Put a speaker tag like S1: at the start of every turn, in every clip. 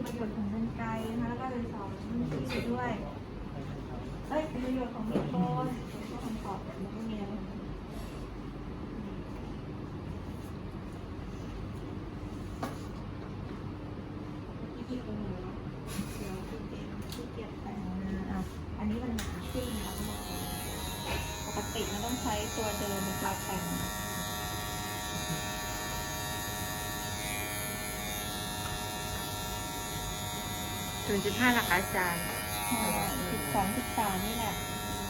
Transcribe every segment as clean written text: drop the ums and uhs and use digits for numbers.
S1: ประโยชน์ของกรรไกรนะคะแล้วก็เลยสอนที่ด้วยประโยชน์ของมีดโกนก็คำตอบไม่มีอะไรที่ตรงไหนวะเดี๋ยวที่เก็บแต่งอันนี้มันหนาขึ้นแล้วปกติมันต้องใช้ตัวเดิมในการแต่ง
S2: 0.5หลักอาจารย์
S1: 12-13นี่แหละ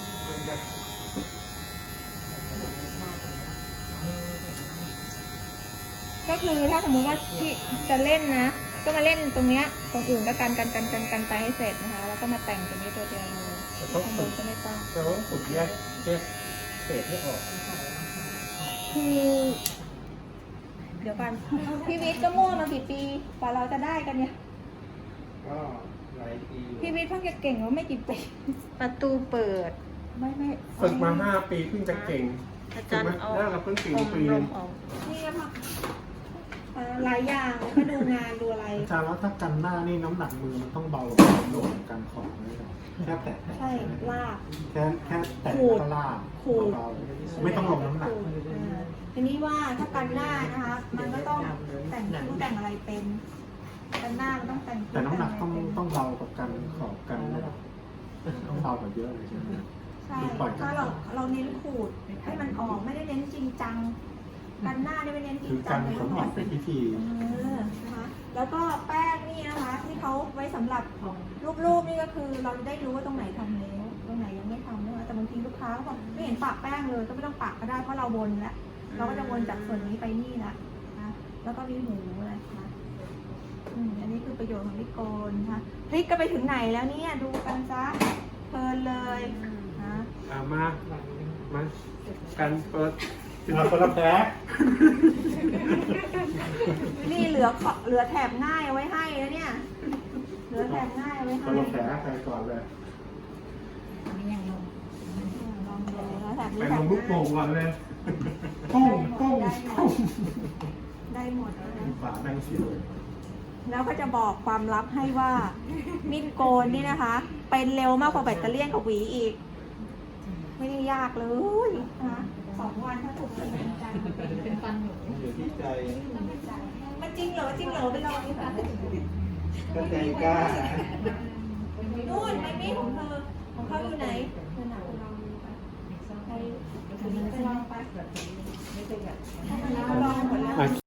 S1: ก็คือถ้าสมมติว่าที่จะเล่นนะก็มาเล่นตรงเนี้ยตรงอื่นก็กันไปให้เสร็จนะคะแล้วก็มาแต่งตรงนี้ตัวเดียวเลยข้างบนก็ไม่ต้อง
S3: เราต้องฝึกแยกเศษให้ออก
S1: คือเดี๋ยวกันพี่วิทย์ก็มั่วมากี่ปีกว่าเราจะได้กันเนี่ย
S3: ก็หลายปี
S1: พี่วิทย์เพิ่งจะเก่งว่าไม่กี่ปี
S2: ประตูเปิด
S1: ไม่
S3: ฝึกมา5 ปีเพิ่งจะเก่ง
S2: อาจารย์เอา
S3: เราเพิ่งเก่งปี
S2: ล
S3: นึ
S2: ม
S3: ง
S2: ออก
S1: นี่ค่ะหลายอย่างก็ดูงานดูอะไร
S3: อาจารย์แล้วถ้ากันหน้านี่น้ำหนักมือมันต้องเบากว่าโดดกันของเลยแค่แตะ
S1: ใช่ลาก
S3: แค่แตะก็ลากเบาไม่ต้องลงน้ำหนัก
S1: ทีนี้ว่าถ้ากันหน้านะคะมันก็ต้องแต่งคิ้วแต่งอะไรเป็นกันหน้ามันต้องแต่ง
S3: แต่น้ำหนักต้องเบากับกันขอบกันต้องเบากว่าเยอะเลยใช่ไหม
S1: ใช่ถ้าเราเน้นขูดให้มันออกไม่ได้เน้นจริงจังกันหน้าได้ไม่เน้นจริงจังเลย
S3: ขนออกเป็นพิธี
S1: นะคะแล้วก็แป้งนี่นะคะที่เขาไว้สำหรับรูปนี่ก็คือเราได้รู้ว่าตรงไหนทำแล้วตรงไหนยังไม่ทำนะคะแต่บางทีลูกค้าเขาบอกไม่เห็นปะแป้งเลยก็ไม่ต้องปะก็ได้เพราะเราวนแล้วเราก็จะวนจากส่วนนี้ไปนี่ละนะแล้วก็มีหูอะไรนะอันนี้คือประโยชน์ของลิโกนนะคะพลิกก็ไปถึงไหนแล้วเนี่ยดูกันซะเพลินเลยนะ
S3: มากันเปิดถึงเราคนละแพ้
S1: นี่เหลือแถบง่ายเอาไว้ให้แล้วเนี่ยเหลือแถบง่ายเอาไว้ให้
S3: คนละแพ้ใครก่อนเลย
S1: ลองดูนะแถบนี้
S3: ไป
S1: แถ
S3: ล
S1: บ
S3: งลูกโป่งก่อนเลยก้ง
S1: ได้หมดแล้วนะ
S3: ฝาแดงเสียว
S1: แล้วก็จะบอกความลับให้ว่ามีดโกนนี่นะคะเป็นเร็วมากกว่าแบตเตอรี่กับหวีอีกไม่ได้ยากเลยนะ2 วันถ้าถูกจริงจัง
S2: เป็นฟันหนู
S3: อยู่ที่ใจ
S1: มันจริงเหรอไปลองดิค่ะ
S3: ก็ใจกล้า
S1: นู่นไม่มีของเธอของเขาอยู่ไหนเธอหนาไปลองดูไปไปลองไปลองหมดแล้ว